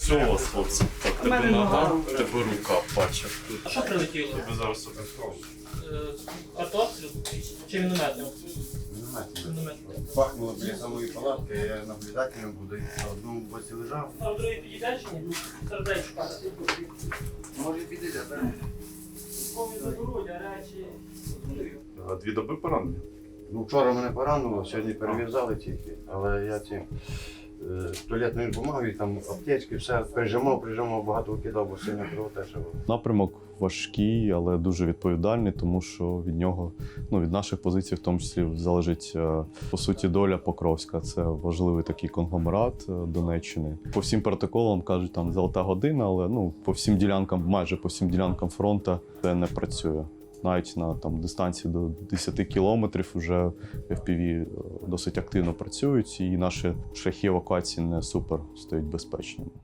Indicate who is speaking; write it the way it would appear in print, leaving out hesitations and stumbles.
Speaker 1: Що у вас, хлопці? Так, тебе нога, тебе рука, бачу.
Speaker 2: А що прилетіло?
Speaker 1: Тебе зараз
Speaker 2: Картоплю? Чи мінометом?
Speaker 3: Мінометом. Пахнуло біля самої палатки, я наблюдателем буду. На одному боці лежав.
Speaker 2: А в другій підійде чи ні? Сердечко.
Speaker 3: Може підійде, так?
Speaker 2: Комі заберуть, а речі...
Speaker 1: 2 доби поранення.
Speaker 3: Ну, вчора мене поранило, сьогодні перев'язали тільки. Але я ці туалетною бумагою, там аптечки, все прижимав, багато викидав, бо сильно кровотеча.
Speaker 4: Напрямок важкий, але дуже відповідальний, тому що від нього, від наших позицій, в тому числі, залежить, по суті, доля Покровська. Це важливий такий конгломерат Донеччини. По всім протоколам кажуть, там золота година, але по всім ділянкам, майже по всім ділянкам фронту це не працює. Навіть на дистанції до 10 кілометрів вже FPV досить активно працюють, і наші шляхи евакуації не супер стають безпечними.